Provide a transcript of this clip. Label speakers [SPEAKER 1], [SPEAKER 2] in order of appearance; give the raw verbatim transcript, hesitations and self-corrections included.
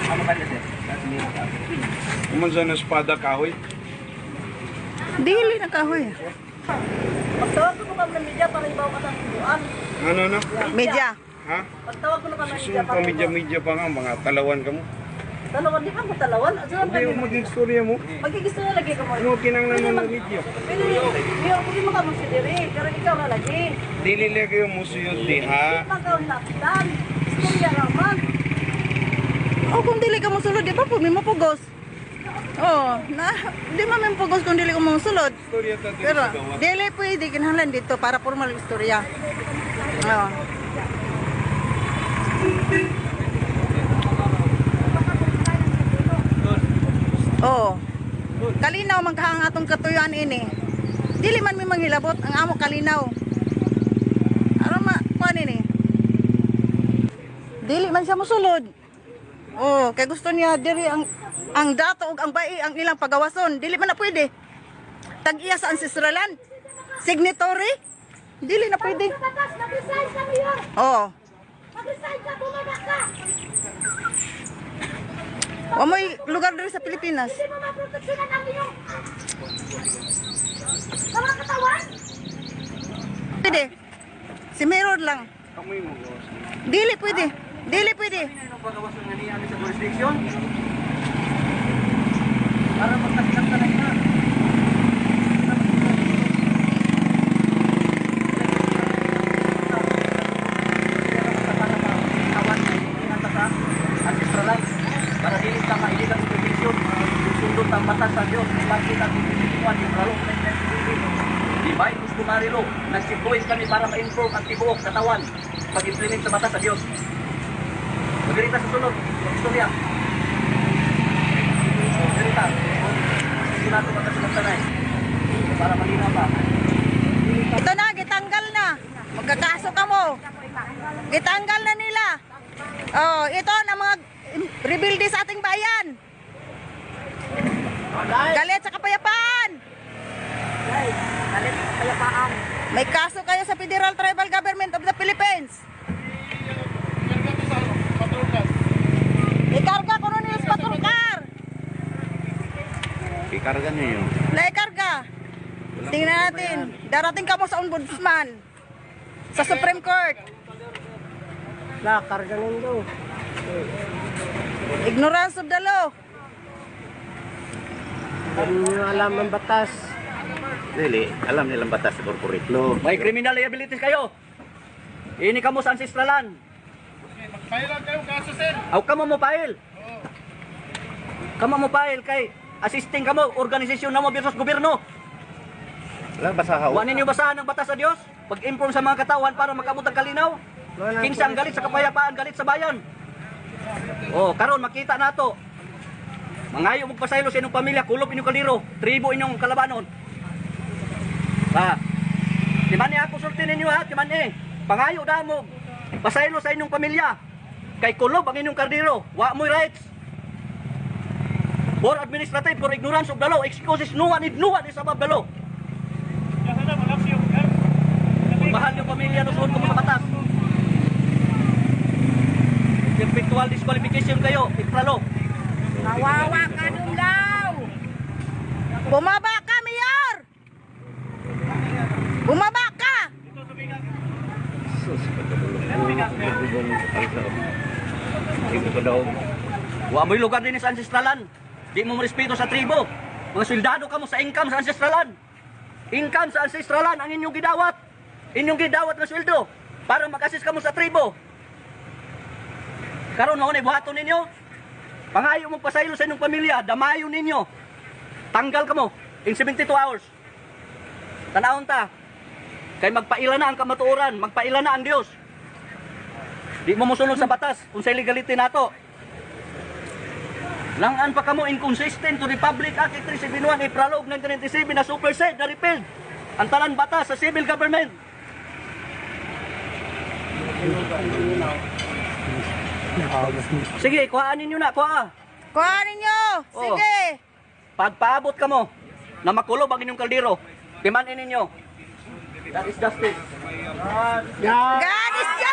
[SPEAKER 1] Ano ba sir?
[SPEAKER 2] Kuman sa espada kahoy.
[SPEAKER 3] Dili na kahoy.
[SPEAKER 4] Pagtawag ko naman ng media para ibaw ka sa tubuan.
[SPEAKER 2] Ano na?
[SPEAKER 3] Media.
[SPEAKER 2] Ha?
[SPEAKER 4] Pagtawag ko naman ng media
[SPEAKER 2] Susunod
[SPEAKER 4] para
[SPEAKER 2] pa media-media pa nga, mga talawan ka mo.
[SPEAKER 4] Talawan, di ka mo talawan. At saan
[SPEAKER 2] Hindi yung maging storya mo.
[SPEAKER 4] Magkikisto na lagi ka mo.
[SPEAKER 2] Ano kinang naman ng media?
[SPEAKER 4] Pwede, hindi ako hindi maka mo si Diri. Pero ikaw na lagi.
[SPEAKER 2] Dili lang kayo musuyod di ha.
[SPEAKER 4] Ikaw lakdan. Istorya raman.
[SPEAKER 3] O kung dili ka mosulod, di ba po may mapugos? Oh, na di man may mapugos kung dili ka mosulod.
[SPEAKER 2] Storya ta dito
[SPEAKER 3] Pero
[SPEAKER 2] sa gawa.
[SPEAKER 3] dili pwede kinahanglan dito para formal istorya. Oh. Oh. Kalinaw man kahang atong katuyuan ini. Dili man mi manghilabot ang amo kalinaw. Ano ma kuan ini? Dili man siya mosulod. Oh, kay gusto niya diri ang ang dato ug ang bai ang ilang pagawason. Dili man na pwede. Tag-iya sa ancestralan. Signatory? Dili na pwede.
[SPEAKER 4] Mag-resign ka, Mayor.
[SPEAKER 3] Oh.
[SPEAKER 4] Mag-resign ka, bumaba ka.
[SPEAKER 3] O may lugar diri sa Pilipinas.
[SPEAKER 4] Hindi mo maproteksyonan ang iyong mga katawan.
[SPEAKER 3] Pwede. Si Mayor lang.
[SPEAKER 2] Amoy mo gawas.
[SPEAKER 3] Dili pwede. Dili pwede.
[SPEAKER 1] Ano pagawas ng naniyan sa jurisdiction? Para magkasilang ka na ina. Para dili ka mailang supervision, susundot ang batas sa Diyos, bakit ang pinipituan yung lalo na yung di ba yung customary law, nag-sitwis kami para ma-inform ang tibuok katawan pag-implement sa batas sa Diyos. Magalita sa sunod, istorya. Magalita. Sinato ka sa magsanay. Para malinaw pa.
[SPEAKER 3] Ito na, gitanggal na. Magkakaso ka mo. Gitanggal na nila. Oh, ito na mga rebuildi sa ating bayan. Galit sa kapayapaan.
[SPEAKER 4] Galit sa kapayapaan.
[SPEAKER 3] May kaso kayo sa Federal Tribal Government of the Philippines. Ikarga ko nun yung patrulkar.
[SPEAKER 2] Ikarga niyo.
[SPEAKER 3] Naikarga. Tingnan natin. Darating ka mo sa ombudsman. Sa Supreme Court.
[SPEAKER 4] La, karga nindo.
[SPEAKER 3] Ignorance of the law.
[SPEAKER 4] Hindi nyo alam ang batas.
[SPEAKER 5] Really, alam nilang batas sa corporate law.
[SPEAKER 1] May criminal liabilities kayo. Ini kamo sa ancestralan.
[SPEAKER 2] Magpahil kayo kaso sir.
[SPEAKER 1] Aw kamo mo file. Kamo mo file kay assisting kamo organisasyon namo versus gobyerno.
[SPEAKER 5] Wala basahaw.
[SPEAKER 1] Wa ninyo basahan ang batas sa Dios? Pag-inform sa mga katawan para makabot ang kalinaw. Kinsa ang galit sa kapayapaan, galit sa bayan. Oh, karon makita nato. Mangayo mo pasaylo sa inyong pamilya, kulop inyong kaliro, tribo inyong kalabanon. Ha. Di man ni ako sulti ninyo ha, di man eh. Pangayo da mo. Pasaylo sa inyong pamilya. Kay kulob ang inyong kardiro, wa mo'y rights. For administrative, for ignorance of the law, excuses no one, no one is above the law. Mahal yung pamilya, nusuon ko mga batas. Virtual disqualification kayo, ipralo.
[SPEAKER 3] Kawawa ka dumlaw. Bumaba ka, Mayor. Bumaba ka.
[SPEAKER 5] Ito ko daw.
[SPEAKER 1] Wa mo'y lugar din sa ancestralan. Di mo respeto sa tribo. Mga soldado ka mo sa income sa ancestralan. Income sa ancestralan ang inyong gidawat. Inyong gidawat na sweldo para mag-assist ka mo sa tribo. Karon mao na buhaton ninyo. Pangayo mong pasaylo sa inyong pamilya, damayon ninyo. Tanggal ka mo in seventy-two hours. Tanawon ta. Kay magpaila na ang kamatuoran, magpaila na ang Dios. Di mo mosunod sa batas kung sa legality nato. Langan pa kamo inconsistent to Republic Act three seventy-one April nineteen ninety-seven na supersede na repealed ang tanan batas sa civil government. Sige, kuhaan ninyo na, kuha.
[SPEAKER 3] Kuha ninyo. Sige.
[SPEAKER 1] Pagpaabot ka mo na makulob ang inyong kaldero, timanin ninyo. That is justice.
[SPEAKER 3] God is